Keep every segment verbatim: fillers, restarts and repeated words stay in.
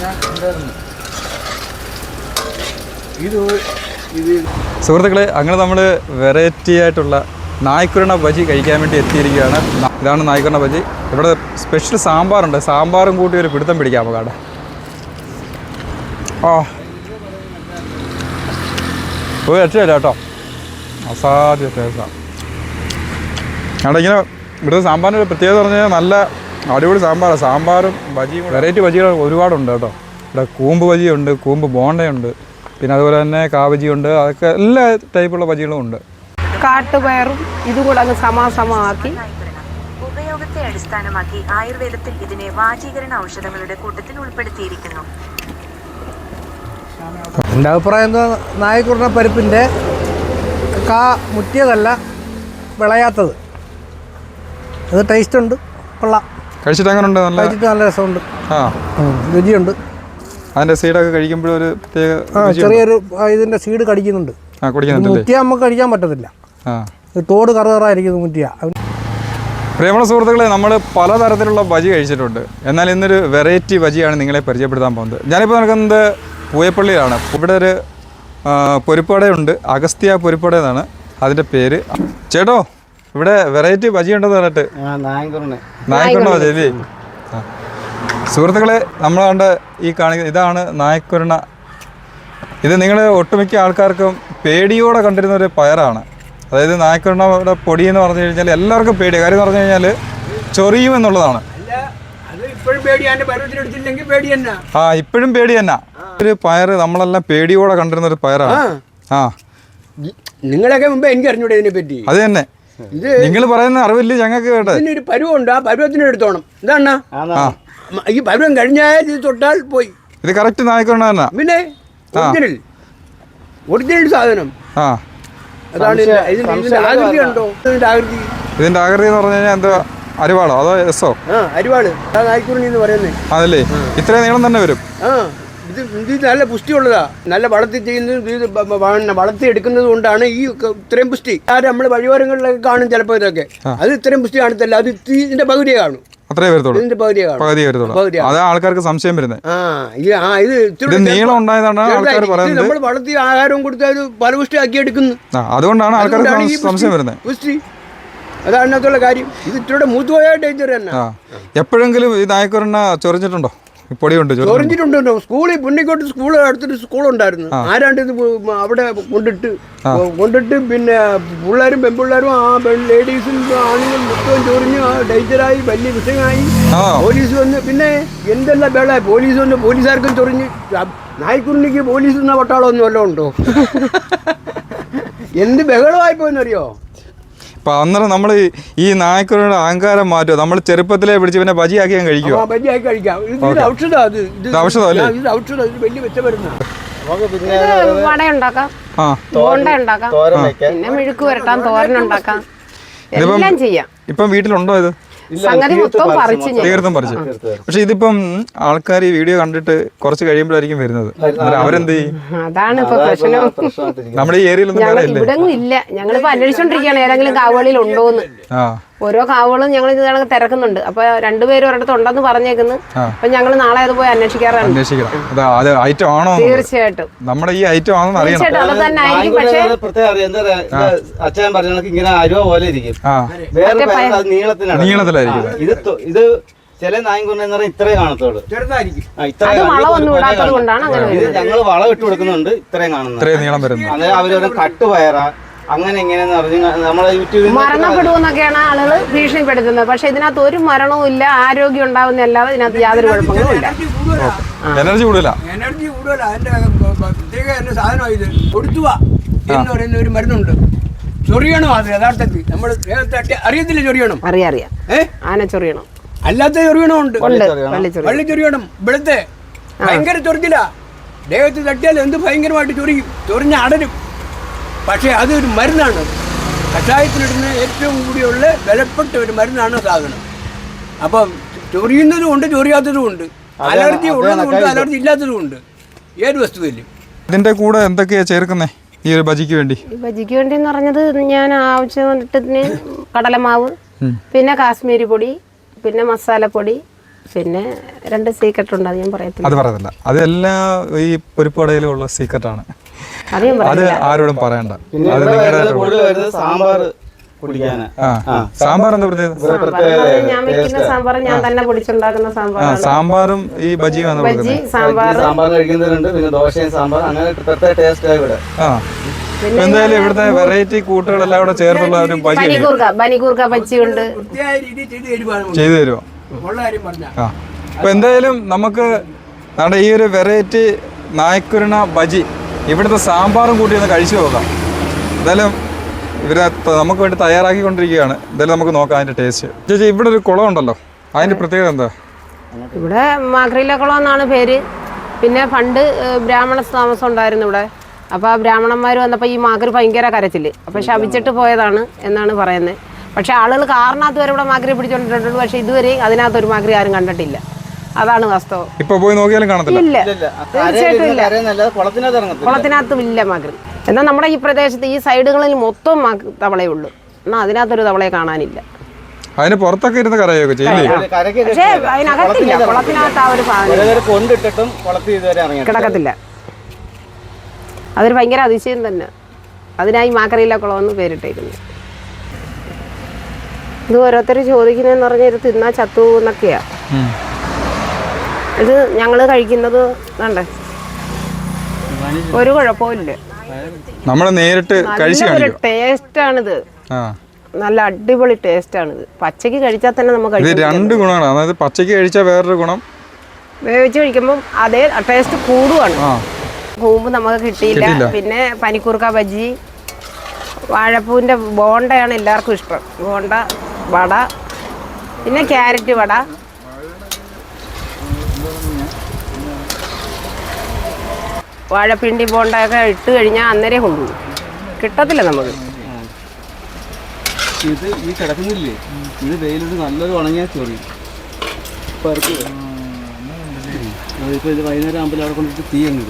സുഹൃത്തുക്കളെ, അങ്ങനെ നമ്മൾ വെറൈറ്റി ആയിട്ടുള്ള നായ്ക്കുരണ ബജി കഴിക്കാൻ വേണ്ടി എത്തിയിരിക്കുകയാണ്. ഇതാണ് നായ്ക്കുരണ ബജി. ഇവിടെ സ്പെഷ്യൽ സാമ്പാറുണ്ട്. സാമ്പാറും കൂട്ടി ഒരു പിടുത്തം പിടിക്കാം നമുക്കവിടെ. ആ ഒരു രക്ഷയില്ല കേട്ടോ, അസാധ്യ ടേസ്റ്റാണ്. അവിടെ ഇങ്ങനെ ഇവിടുത്തെ സാമ്പാറിൻ്റെ ഒരു പ്രത്യേകത പറഞ്ഞു കഴിഞ്ഞാൽ നല്ല അടിപൊളി സാമ്പാറാണ്. സാമ്പാറും ബജിയും വെറൈറ്റി ബജികൾ ഒരുപാടുണ്ട് കേട്ടോ. ഇവിടെ കൂമ്പ് ബജിയുണ്ട്, കൂമ്പ് ബോണ്ടയുണ്ട്, പിന്നെ അതുപോലെ തന്നെ കാബജിയുണ്ട്. അതൊക്കെ എല്ലാ ടൈപ്പുള്ള ബജികളും ഉണ്ട്. കാട്ടുപയറും ഇതുകൂടെ അങ്ങ് സമാസമാക്കി ഉപയോഗത്തെ അടിസ്ഥാനമാക്കി ആയുർവേദത്തിൽ ഇതിനെ വാചീകരണ ഔഷധങ്ങളുടെ കൂട്ടത്തിൽ ഉൾപ്പെടുത്തിയിരിക്കുന്നു. എൻ്റെ അഭിപ്രായം എന്താ, നായ്ക്കുരണ പരിപ്പിൻ്റെ കാ മുറ്റിയതല്ല, വിളയാത്തത്. അത് ടേസ്റ്റ് ഉണ്ട്, കൊള്ളാം. കഴിച്ചിട്ട് അങ്ങനെ ഉണ്ട്? നല്ല കഴിച്ചിട്ട് നല്ല രസമുണ്ട്, ആ രുചിയുണ്ട്. അതിൻ്റെ സീഡൊക്കെ കഴിക്കുമ്പോഴൊരു ഒരു പ്രത്യേക ആ ചെറിയൊരു ഇതിൻ്റെ സീഡ് കടിക്കുന്നുണ്ട്. ആ കുടിക്കുന്നുണ്ട്. മുറ്റിയ നമുക്ക് കഴിക്കാൻ പറ്റത്തില്ല, തോട് കറുകറായിരിക്കുന്നു മുറ്റിയ. പ്രിയമുള്ള സുഹൃത്തുക്കളെ, നമ്മൾ പലതരത്തിലുള്ള ബജി കഴിച്ചിട്ടുണ്ട്. എന്നാൽ ഇന്നൊരു വെറൈറ്റി ബജിയാണ് നിങ്ങളെ പരിചയപ്പെടുത്താൻ പോകുന്നത്. ഞാനിപ്പോൾ നടക്കുന്നത് പൂയപ്പള്ളിയിലാണ്. ഇവിടെ ഒരു പൊരിപ്പടയുണ്ട്, അഗസ്ത്യ പൊരിപ്പട എന്നാണ് അതിൻ്റെ പേര്. ചേട്ടോ, ഇവിടെ വെറൈറ്റി ബജി ഉണ്ടെന്ന് പറഞ്ഞിട്ട് നായ്ക്കുരണ ബജി അല്ലേ? സുഹൃത്തുക്കളെ, നമ്മൾ കണ്ട ഈ കാണിക്കുന്ന ഇതാണ് നായ്ക്കുരണ. ഇത് നിങ്ങൾ ഒട്ടുമിക്ക ആൾക്കാർക്കും പേടിയോടെ കണ്ടിരുന്ന ഒരു പയറാണ്. അതായത് നായ്ക്കുരണയുടെ പൊടി എന്ന് പറഞ്ഞു കഴിഞ്ഞാൽ എല്ലാവർക്കും പേടിയാണ്. കാര്യം എന്ന് പറഞ്ഞു കഴിഞ്ഞാൽ ചൊറിയുമെന്നുള്ളതാണ്. ആ ഇപ്പോഴും പേടി തന്നെ. ഒരു പയർ നമ്മളെല്ലാം പേടിയോടെ കണ്ടിരുന്ന ഒരു പയറാണ്. ആ നിങ്ങളൊക്കെ മുമ്പേ എനിക്ക് അറിഞ്ഞൂടെ ഇതിനെ പറ്റി? അത് തന്നെ, നിങ്ങൾ പറയുന്ന അറിവില്ല ഞങ്ങൾക്ക് കേട്ടെ. ഒരു പരുവുണ്ട്, ആ പരുവത്തിന് എടുത്തോണം. എന്താണ് ഈ പരുവം കഴിഞ്ഞാൽ ഇത് തൊട്ടാൽ പോയി. ഇത് കറക്റ്റ് നായ്ക്കുരണ തന്നെ. പിന്നെ ഒറിജിനൽ ഒറിജിനൽ സാധനം. ആ അതാണ് ഇതിന്റെ ആകൃതി ഉണ്ടോ? ഇതിന്റെ ആകൃതി ഇതിന്റെ ആകൃതി എന്ന് പറഞ്ഞു കഴിഞ്ഞാൽ എന്താ, അരിവാളോ അതോ എസോ? ആ അരിവാള്, ആ നായ്ക്കുരണി എന്ന് പറയുന്നത്. അതല്ലേ, ഇത്രയും നീളം തന്നെ വരും. ആ ഇത് ഇത് നല്ല പുഷ്ടിയുള്ളതാ. നല്ല വളർത്തി ചെയ്യുന്നത്, ഇത് വളർത്തി എടുക്കുന്നത് കൊണ്ടാണ് ഈ ഇത്രയും പുഷ്ടി. ആരും നമ്മൾ വഴിയോരങ്ങളിലൊക്കെ കാണും ചിലപ്പോൾ ഇതൊക്കെ. അത് ഇത്രയും പുഷ്ടി കാണത്തില്ല, അത് ഇതിന്റെ പകുതിയെ കാണും. അത്രേ വരത്തുള്ളൂ, ഇതിന്റെ പകുതിയെ കാണും. പകുതി വരത്തുള്ളൂ. അതാ ആൾക്കാർക്ക് സംശയം വരുന്നത്. ആ ഇത് നീളം ഉണ്ടായതാണ് ആൾക്കാർ പറയുന്നത്. നമ്മൾ വളർത്തി ആഹാരവും കൊടുത്ത് അത് ഫലപുഷ്ടി ആക്കി എടുക്കുന്നു. അതുകൊണ്ടാണ് ആൾക്കാർക്ക് സംശയം വരുന്നത്. പുഷ്ടി അതാണ് അതിനകത്തുള്ള കാര്യം. ഇത് ഇത്രയുടെ മൂത്തുപോയ ഡേഞ്ചർ തന്നെ. എപ്പോഴെങ്കിലും ഈ നായ്ക്കുരണ ചൊറിഞ്ഞിട്ടുണ്ടോ? പൊടിയുണ്ട്, ചൊറിഞ്ഞിട്ടുണ്ടോ? സ്കൂളിൽ പുണ്ണിക്കോട്ട് സ്കൂൾ അടുത്തൊരു സ്കൂളുണ്ടായിരുന്നു. ആരാണ്ട് ഇത് അവിടെ കൊണ്ടിട്ട് കൊണ്ടിട്ട് പിന്നെ പിള്ളേരും പെൺപിള്ളേരും ആ ലേഡീസും ആണുങ്ങളും മൊത്തം ചൊറിഞ്ഞ് ഡേഞ്ചറായി, വലിയ വിഷയമായി. പോലീസ് വന്ന് പിന്നെ എന്തെല്ലാം വേള പോലീസ് വന്ന് പോലീസുകാർക്കും ചൊറിഞ്ഞ്. നായ്ക്കുരുണിക്ക് പോലീസ് എന്ന പട്ടാളം ഒന്നും വല്ലതും ഉണ്ടോ? എന്ത് ബഹളമായിപ്പോയെന്നറിയോ? അപ്പൊ അന്നേരം നമ്മൾ ഈ നായ്ക്കുരുടെ അഹങ്കാരം മാറ്റുക. നമ്മൾ ചെറുപ്പത്തിലെ പിടിച്ച് പിന്നെ ബജിയാക്കി ഞാൻ കഴിക്കുക. ബജിയാക്കി കഴിക്കാം. ഇത് ഔഷധം, അത് ഔഷധം അല്ലേ? ഇത് ഔഷധം, ഇത് വലിയ മെച്ചമരുന്ന. വട ഉണ്ടാക്കാം, ബോണ്ട ഉണ്ടാക്കാം, പിന്നെ മെഴുക്ക് വരട്ടാം, തോരൻ ഉണ്ടാക്കാം, എല്ലാം ചെയ്യാം. ഇപ്പം വീട്ടിലുണ്ടോ ഇത്? തീർത്തും പറിച്ചു. പക്ഷെ ഇതിപ്പം ആൾക്കാർ ഈ വീഡിയോ കണ്ടിട്ട് കുറച്ച് കഴിയുമ്പോഴായിരിക്കും വരുന്നത്. അവരെന്ത് ചെയ്യും? അതാണ് ഇപ്പൊ പ്രശ്നം. നമ്മുടെ ഈ ഏരിയയിലൊന്നും ഇവിടെ ഇല്ല. ഞങ്ങളിപ്പോ അന്വേഷിച്ചോണ്ടിരിക്കുകയാണ് ഏതെങ്കിലും കാവുകളിൽ ഉണ്ടോന്ന്. ഓരോ കാവുകളും ഞങ്ങൾ ഇത് കണക്ക് തിരക്കുന്നുണ്ട്. അപ്പൊ രണ്ടുപേരും ഒരിടത്ത് ഉണ്ടെന്ന് പറഞ്ഞേക്കുന്നു. അപ്പൊ ഞങ്ങൾ നാളെ അത് പോയി അന്വേഷിക്കാറാണ്. തീർച്ചയായിട്ടും നമ്മുടെ ഈ ഐറ്റം ആണെന്ന് അറിയണം. തീർച്ചയായിട്ടും അത് തന്നെ ആയിരിക്കും. പക്ഷേ അച്ഛൻ പറഞ്ഞ ഇങ്ങനെ അരുവ പോലെ ഇരിക്കും, നീളത്തിലായിരിക്കും. ഇത് ഇത് ചില നായ്ക്കുരണ എന്ന് പറഞ്ഞാൽ ഇത്രയും കാണത്തോളൂ, ചെറുതായിരിക്കും. ഇത് ഞങ്ങൾ വളം ഇട്ട് കൊടുക്കുന്നുണ്ട്, ഇത്രയും കാണുന്നത്, ഇത്രയും നീളം വരുന്നത്. അതായത് അവരൊരു കട്ടുപയറ അങ്ങനെ എങ്ങനെയെന്ന് പറഞ്ഞ് നമ്മളെ യൂട്യൂബിൽ മരണപ്പെടുമെന്നൊക്കെയാണ് ആളുകൾ ഭീഷണിപ്പെടുത്തുന്നത്. പക്ഷെ ഇതിനകത്ത് ഒരു മരണവും ഇല്ല, ആരോഗ്യം ഉണ്ടാവുന്ന അല്ലാതെ ഇതിനകത്ത് യാതൊരു കുഴപ്പങ്ങളും ഇല്ല. എനർജി കൂടുതല എനർജി കൂടുതല അതിന്റെ പ്രത്യേക എന്റെ സാധനം ഇത് കൊടുത്തുക എന്ന് പറയുന്ന ഒരു മരുന്നുണ്ട്. ചൊറിയണം, അത് യഥാർത്ഥത്തിൽ നമ്മൾ അറിയത്തില്ല. ചൊറിയണം, അറിയാം അറിയാം ഏഹ് ആന ചൊറിയണം, അല്ലാത്ത ചൊറിയണമുണ്ട്. വള്ളി ചൊറിയണം. ഇവിടുത്തെ ഭയങ്കര ചൊറിച്ചില്ല, ദേഹത്ത് തട്ടിയാൽ എന്ത് ഭയങ്കരമായിട്ട് ചൊറിയും, ചൊറിഞ്ഞ അടരും. പക്ഷേ അതൊരു മരുന്നാണ്. കഷായത്തിലിടുന്ന ഏറ്റവും കൂടിയുള്ള വിലപ്പെട്ട ഒരു മരുന്നാണ് സാധനം. അപ്പം ചൊറിയുന്നതും ഉണ്ട്, ചൊറിയാത്തതും ഉണ്ട്, അലർജി ഉള്ളതും ഉണ്ട്, അലർജി ഇല്ലാത്തതും ഉണ്ട്. ഏത് വസ്തുവിലും. ഇതിന്റെ കൂടെ എന്തൊക്കെയാ ചേർക്കുന്നേ ഈ ഒരു ബജിക്ക് വേണ്ടി? ബജിക്ക് വേണ്ടി എന്ന് പറഞ്ഞത് ഞാൻ ആവശ്യത്തിന് കടലമാവ്, പിന്നെ കാശ്മീരി പൊടി, പിന്നെ മസാലപ്പൊടി, പിന്നെ രണ്ട് സീക്രട്ട് ഉണ്ട്, അത് ഞാൻ പറയത്തില്ല. അത് പറയത്തില്ല, അതെല്ലാം ഈ പൊരിപ്പടയിലും ഉള്ള സീക്രട്ടാണ്. അത് ഞാൻ അത് ആരോടും പറയണ്ട. പിന്നെ അത് ഇവിടെ നിങ്ങളുടെ വരുന്നത് കൂടുതൽ വരുന്നത് സാമ്പാർ കുടിക്കാനാ. ആ സാമ്പാർ എന്താ പ്രത്യേകത? സാമ്പാർ ഞാൻ വെക്കുന്ന സാമ്പാർ ഞാൻ തന്നെ പൊടിച്ചുണ്ടാക്കുന്ന ആ സാമ്പാറാണ്. സാമ്പാറും ഈ ബജിയും ആണ് ബജ്ജി കൊടുക്കുന്നത്. സാമ്പാർ സാമ്പാർ കഴിക്കുന്നവരുണ്ട്, പിന്നെ ദോശയും സാമ്പാർ, അങ്ങനെ പ്രത്യേക ടേസ്റ്റ് ഇവിടെ. ആ ഇപ്പൊ എന്തായാലും ഇവിടുത്തെ വെറൈറ്റി കൂട്ടുകളെല്ലാം കൂടെ ചേർത്തുള്ള ഒരു ബജി ബനികൂർക്ക ബനികൂർക്ക ബജ്ജി ഉണ്ട്. വൃത്തിയായ രീതിയിൽ ചെയ്ത് തരുവാണ് ചെയ്തു തരുമോ? ഉള്ള കാര്യം പറഞ്ഞാൽ. ആ അപ്പൊ എന്തായാലും നമുക്ക് നമ്മുടെ ഈ ഒരു വെറൈറ്റി നായ്ക്കുരുണ ബജി ഇവിടുത്തെ സാമ്പാറും കൂട്ടി ഒന്ന് കഴിച്ചു നോക്കാം. എന്തായാലും ഇവരെ ത- നമുക്ക് വേണ്ടി തയ്യാറാക്കിക്കൊണ്ടിരിക്കുകയാണ്. എന്തായാലും നമുക്ക് നോക്കാം അതിന്റെ ടേസ്റ്റ്. ചേച്ചി ഇവിടെ ഒരു കുളം ഉണ്ടല്ലോ, അതിന്റെ പ്രത്യേകത എന്താ? ഇവിടെ മാക്രിലക്കുളം എന്നാണ് പേര്. പിന്നെ പണ്ട് ഏഹ്, ബ്രാഹ്മണ താമസം ഉണ്ടായിരുന്നു ഇവിടെ. അപ്പോൾ ആ ബ്രാഹ്മണന്മാർ വന്നപ്പോൾ ഈ മാക്രി ഭയങ്കര കരച്ചില്, അപ്പോൾ ശപിച്ചിട്ട് പോയതാണ് എന്നാണ് പറയുന്നത്. പക്ഷേ ആളുകൾ കാറിനകത്ത് വരെ ഇവിടെ മാക്രി പിടിച്ചോണ്ടിട്ടുണ്ട്, പക്ഷേ ഇതുവരെ അതിനകത്ത് ഒരു മാക്രി ആരും കണ്ടിട്ടില്ല. അതാണ് വാസ്തവം. ഇപ്പൊ പോയി നോക്കിയാലും കാണത്തില്ല. ഇല്ല, തീർച്ചയായിട്ടും ഇല്ല. കരയെന്നല്ലാതെ കുളത്തിനകത്ത് ഇറങ്ങത്തില്ല. കുളത്തിനകത്തും ഇല്ല മാക്രി. എന്നാൽ നമ്മുടെ ഈ പ്രദേശത്ത് ഈ സൈഡുകളിൽ മൊത്തം മാക്രി തവളയേ ഉള്ളൂ, എന്നാൽ അതിനകത്തൊരു തവളയെ കാണാനില്ല. അതിന് പുറത്തൊക്കെ ഇരുന്ന് കരയൊക്കെ ചെയ്യില്ലേ? കരയ്ക്ക് പക്ഷേ അതിനകത്തില്ല, കുളത്തിനകത്ത് ആ ഒരു സാധനം ഇതുവരെ കൊണ്ടിട്ടിട്ടും കുളത്തിൽ ഇതുവരെ ഇറങ്ങി കിടക്കത്തില്ല. അതൊരു ഭയങ്കര അതിശയം തന്നെ. അതിനായി മാക്രിയില്ല കുളമെന്ന് പേരിട്ടേക്കുന്നു. ഇത് ഓരോരുത്തർ ചോദിക്കുന്നതെന്ന് പറഞ്ഞാൽ ഇത് തിന്നാ ചത്തു എന്നൊക്കെയാ. ഉം. ഇത് ഞങ്ങൾ കഴിക്കുന്നത് വേണ്ടേ, ഒരു കുഴപ്പമില്ല. നമ്മൾ നേരിട്ട് കഴിച്ചു നല്ലൊരു കാണിക്കും. ടേസ്റ്റാണിത്, ആ നല്ല അടിപൊളി ടേസ്റ്റാണിത്. പച്ചയ്ക്ക് കഴിച്ചാൽ തന്നെ നമുക്ക് ഇത് കഴിക്കാം. രണ്ട് ഗുണമാണ്. അതായത് പച്ചയ്ക്ക് കഴിച്ചാൽ വേറൊരു ഗുണം, വേവിച്ച് കഴിക്കുമ്പോൾ അതേ ടേസ്റ്റ് കൂടുകയാണ്. ആ കൂമ്പ് നമുക്ക് കിട്ടിയില്ല. കിട്ടിയില്ല. പിന്നെ പനിക്കൂർക്ക ബജ്ജി, വാഴപ്പൂവിൻ്റെ ബോണ്ടയാണ് എല്ലാവർക്കും ഇഷ്ടം. ബോണ്ട, വട, പിന്നെ ക്യാരറ്റ് വട, വാഴപ്പിണ്ടി ബോണ്ടയൊക്കെ ഇട്ട് കഴിഞ്ഞാൽ അന്നേരം കൊണ്ടുപോകും, കിട്ടത്തില്ല നമുക്ക്. ഇത് ഈ കിടക്കുന്നില്ലേ, ഇത് വെയിലോട്ട് നല്ലൊരു ഉണങ്ങിയ ചൊറി പറക്ക്. അതിപ്പോൾ ഇത് വൈകുന്നേരം ആകുമ്പോൾ അവിടെ കൊണ്ടിട്ട് തീ അങ്ങിടും.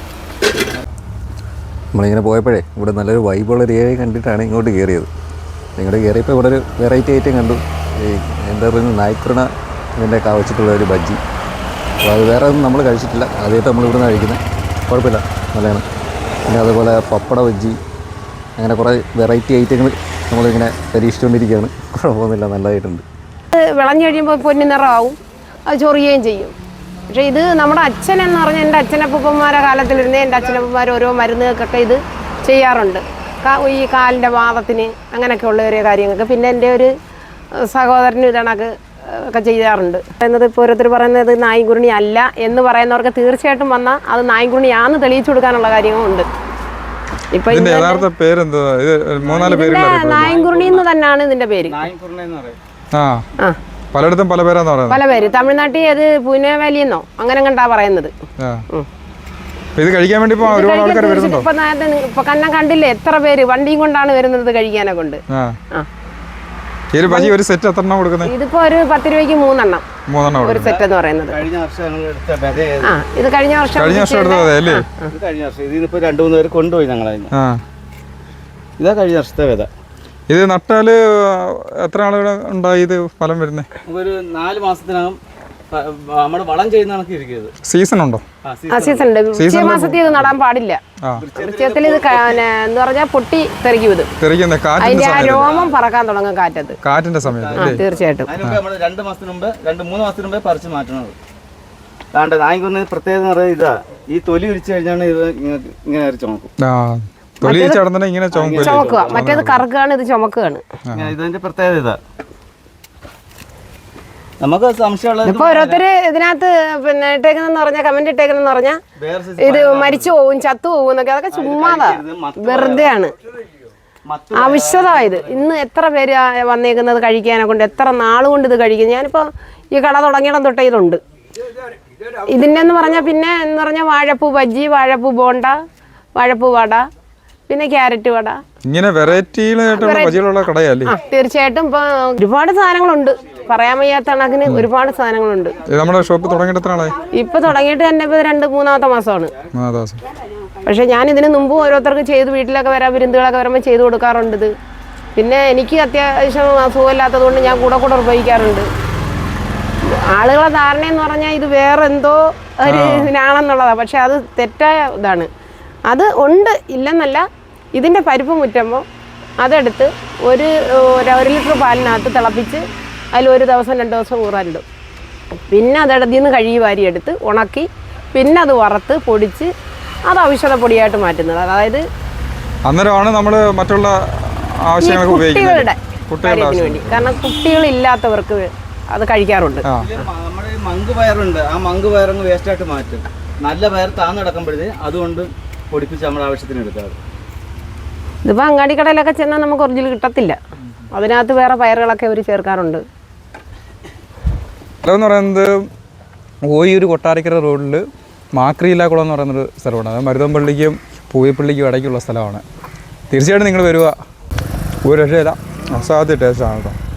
നമ്മളിങ്ങനെ പോയപ്പോഴേ ഇവിടെ നല്ലൊരു വൈബുള്ളൊരു ഏരിയ കണ്ടിട്ടാണ് ഇങ്ങോട്ട് കയറിയത്. ഇങ്ങോട്ട് കയറിയപ്പോൾ ഇവിടെ ഒരു വെറൈറ്റി ഐറ്റം കണ്ടു. ഈ എന്താ പറയുന്നത്, നായ്ക്കുരണ ഇതിൻ്റെ കാവച്ചിട്ടുള്ള ഒരു ബജ്ജി. അപ്പോൾ അത് വേറെ ഒന്നും നമ്മൾ കഴിച്ചിട്ടില്ല, ആദ്യമായിട്ട് നമ്മൾ ഇവിടെ നിന്ന് കഴിക്കുന്നത്. കുഴപ്പമില്ല, നല്ലതാണ്. പിന്നെ അതുപോലെ പപ്പട ബജ്ജി, അങ്ങനെ കുറേ വെറൈറ്റി ഐറ്റങ്ങൾ നമ്മളിങ്ങനെ പരീക്ഷിച്ചുകൊണ്ടിരിക്കുകയാണ്. കുഴപ്പമൊന്നുമില്ല, നല്ലതായിട്ടുണ്ട്. വിളഞ്ഞു കഴിയുമ്പോൾ പൊന്നു നിറമാവും, അത് ചൊറിയുകയും ചെയ്യും. പക്ഷേ ഇത് നമ്മുടെ അച്ഛൻ എന്ന് പറഞ്ഞാൽ എൻ്റെ അച്ഛനപ്പൂപ്പന്മാരുടെ കാലത്തിലിരുന്നേ എൻ്റെ അച്ഛനപ്പന്മാർ ഓരോ മരുന്നുകൾക്കൊക്കെ ഇത് ചെയ്യാറുണ്ട്. ഈ കാലിൻ്റെ വാദത്തിന് അങ്ങനെയൊക്കെ ഉള്ള ഓരോ കാര്യങ്ങൾക്ക്. പിന്നെ എൻ്റെ ഒരു സഹോദരനും ഇതണക്ക് ഒക്കെ ചെയ്യാറുണ്ട്. എന്നത് ഇപ്പോൾ ഓരോരുത്തർ പറയുന്നത് നായ്ക്കുരുണി അല്ല എന്ന് പറയുന്നവർക്ക് തീർച്ചയായിട്ടും വന്നാൽ അത് നായ്ക്കുരുണിയാണെന്ന് തെളിയിച്ചു കൊടുക്കാനുള്ള കാര്യങ്ങളുണ്ട്. ഇപ്പൊ ഇതിന്റെ യഥാർത്ഥ പേരെന്താ? ഇത് മൂന്നാല് പേരുള്ള നായ്ക്കുരുണി എന്ന് തന്നെയാണ് ഇതിന്റെ പേര്. ആ ആ പലയിടത്തും പല പേരാന്ന് പറയുന്നത്. പല പേര്. തമിഴ്നാട്ടിൽ അത് പുനേവാലി എന്നോ അങ്ങനെ കണ്ടാ പറയുന്നത്. ആ. അപ്പൊ ഇത് കഴിക്കാൻ വേണ്ടി ഇപ്പൊ ഒരുപാട് ആൾക്കാർ വരുന്നുണ്ടോ? ഇപ്പൊ നേരത്തെ ഇപ്പൊ കണ്ണം കണ്ടില്ലേ എത്ര പേര് വണ്ടിയും കൊണ്ടാണ് വരുന്നത് കഴിക്കാനെ കൊണ്ട്. ആ. ആ. ഈ ഒരു ബജി ഒരു സെറ്റ് എത്ര എണ്ണം കൊടുക്കുന്നത്? ഇതിപ്പോ ഒരു പത്ത് രൂപയ്ക്ക് മൂന്നെണ്ണം മൂന്നെണ്ണം ഒരു സെറ്റ് എന്ന് പറയുന്നത്. കഴിഞ്ഞ വർഷം ഞങ്ങൾ എടുത്ത ബെത ഏത്? ആ ഇത് കഴിഞ്ഞ വർഷം കഴിഞ്ഞ വർഷം എടുത്തത് അല്ലേ? ഇത് കഴിഞ്ഞ വർഷം ഇതിനിപ്പോൾ രണ്ട് മൂന്ന് പേര് കൊണ്ടുപോയി ഞങ്ങൾ അതിന്. ആ ഇതാ കഴിഞ്ഞ വർഷത്തെ വിത. ഇത് നട്ടാല് എത്ര ആളുകൾ ഉണ്ടായി ഇത് ഫലം വരുന്നത്? ഒരു നാല് മാസത്തിനകം പ- നമ്മുടെ വളം ചെയ്യുന്ന കണക്ക് ഇരിക്കുന്നത്. സീസൺ ഉണ്ടോ? ആ, ആ സീസൺ ഉണ്ട്. വൃശ്ചിക മാസത്തിൽ ഇത് നടാൻ പാടില്ല. ആ വൃശ്ചികത്തിൽ ഇത് ക- ന- എന്ന് പറഞ്ഞാൽ പൊട്ടി തെറിക്കും ഇത്. തെറിക്കുന്ന കാറ്റിന്റെ അതിന്റെ ആ സമയത്ത്, രോമം പറക്കാൻ തുടങ്ങും കാറ്റത്ത്. കാറ്റിന്റെ സമയത്ത് ആ അല്ലേ? തീർച്ചയായിട്ടും. അതിന് മുമ്പ് നമ്മൾ രണ്ട് മാസത്തിന് മുമ്പ് രണ്ട് മൂന്ന് മാസത്തിന് മുമ്പേ പറിച്ച് മാറ്റണത്. അതാണ്ട് നായ്ക്കൊന്ന് പ്രത്യേകത എന്ന് പറയുന്നത് ഇതാ, ഈ തൊലി ഉരിച്ചു കഴിഞ്ഞാണ് ഇത് ഇങ്ങനെ ഇങ്ങനെ അരച്ച് ചുമക്കും. ആ തൊലി ചടന്നെ ഇങ്ങനെ ചുമക്കും. ചുമക്കുക, മറ്റേത് കറുക്കുകയാണ്, ഇത് ചുമക്കുകയാണ്. ഇങ്ങനെ ഇതിന്റെ പ്രത്യേകത ഇതാ. നമുക്ക് സംശയമുള്ളത് ഇപ്പൊ ഓരോരുത്തര് ഇതിനകത്ത് പിന്നെ ഇട്ടേക്കുന്നെന്ന് പറഞ്ഞാൽ കമന്റ് ഇട്ടേക്കുന്നെന്ന് പറഞ്ഞാൽ വേറെ സൈസ് ഇത് മരിച്ചു പോവും ചത്തു പോവും എന്നൊക്കെ, അതൊക്കെ ചുമ്മാതാ, വെറുതെയാണ്, മത്ത് ആവശ്യമായത്. ഇന്ന് എത്ര പേര് ആ വന്നേക്കുന്നത് കഴിക്കാനെ കൊണ്ട്, എത്ര നാളുകൊണ്ട് ഇത് കഴിക്കും. ഞാനിപ്പോൾ ഈ കട തുടങ്ങിയിടം തൊട്ടേ ഇതുണ്ട്. ഇതിൻ്റെ എന്ന് പറഞ്ഞാൽ പിന്നെ എന്ന് പറഞ്ഞാൽ വാഴപ്പൂ ബജ്ജി, വാഴപ്പൂ ബോണ്ട, വാഴപ്പൂ വട, പിന്നെ ക്യാരറ്റ് വട, ഇങ്ങനെ വെറൈറ്റിയിലായിട്ടുള്ള ബജികളുള്ള കടയല്ലേ? ആ തീർച്ചയായിട്ടും. ഇപ്പൊ ഒരുപാട് സാധനങ്ങളുണ്ട്, പറയാൻ വയ്യാത്ത കണക്കിന് ഒരുപാട് സാധനങ്ങളുണ്ട്. ഇത് നമ്മുടെ ഷോപ്പ് തുടങ്ങിയിട്ട് എത്ര ആളായി? ഇപ്പൊ തുടങ്ങിയിട്ട് തന്നെ ഇപ്പൊ രണ്ട് മൂന്നാമത്തെ മാസമാണ്. മൂന്നാം ദിവസം. പക്ഷെ ഞാൻ ഇതിന് മുമ്പ് ഓരോരുത്തർക്ക് ചെയ്ത് വീട്ടിലൊക്കെ വരാൻ വിരുന്നുകളൊക്കെ വരുമ്പോൾ ചെയ്ത് കൊടുക്കാറുണ്ട് ഇത്. പിന്നെ എനിക്ക് അത്യാവശ്യം അസുഖമില്ലാത്തത് കൊണ്ട് ഞാൻ കൂടെ കൂടെ ഉപയോഗിക്കാറുണ്ട്. ആളുകളെ ധാരണ എന്ന് പറഞ്ഞാൽ ഇത് വേറെ എന്തോ ഒരു ഇതിനാണെന്നുള്ളതാണ്. പക്ഷെ അത് തെറ്റായ ഇതാണ്. അത് ഉണ്ട് ഇല്ലെന്നല്ല. ഇതിൻ്റെ പരിപ്പ് മുറ്റുമ്പോൾ അതെടുത്ത് ഒരു ഒരു ലിറ്റർ പാലിനകത്ത് തിളപ്പിച്ച് അതിൽ ഒരു ദിവസം രണ്ട് ദിവസം ഊറാനിടും. പിന്നെ അതെടുത്തിൽ നിന്ന് കഴുകി വാരി എടുത്ത് ഉണക്കി പിന്നെ അത് വറുത്ത് പൊടിച്ച് അത് ഔഷധ പൊടിയായിട്ട് മാറ്റുന്നത്. അതായത് അന്നേരമാണ് നമ്മൾ മറ്റുള്ള ആവശ്യങ്ങൾക്ക് കുട്ടികളുടെ ഉപയോഗിക്കുന്നത്. കാര്യത്തിന് വേണ്ടി. കാരണം കുട്ടികളില്ലാത്തവർക്ക് അത് കഴിക്കാറുണ്ട്. നമ്മുടെ മങ്ക് പയറുണ്ട്, ആ മങ്ക് പയറങ്ങ് വേസ്റ്റായിട്ട് മാറ്റും. നല്ല പയർ താന്ന് കിടക്കുമ്പോഴേ അതുകൊണ്ട് പൊടിപ്പിച്ച് നമ്മുടെ ആവശ്യത്തിന് എടുക്കാറ്. ഇതിപ്പോൾ അങ്ങാടി കടയിലൊക്കെ ചെന്നാൽ നമുക്ക് ഒറിജിനൽ കിട്ടത്തില്ല. അതിനകത്ത് വേറെ പയറുകളൊക്കെ അവർ ചേർക്കാറുണ്ട്. സ്ഥലം എന്ന് പറയുന്നത് ഓയൂർ കൊട്ടാരക്കര റോഡിൽ മാക്രിയില്ലാക്കുളം എന്ന് പറയുന്നൊരു സ്ഥലമാണ്. അത് മരുതമ്പള്ളിക്കും പൂയപ്പള്ളിക്കും ഇടയ്ക്കുള്ള സ്ഥലമാണ്. തീർച്ചയായിട്ടും നിങ്ങൾ വരിക, ഒരു രക്ഷയില്ല, അസാധ്യ ടേസ്റ്റാണ് കേട്ടോ.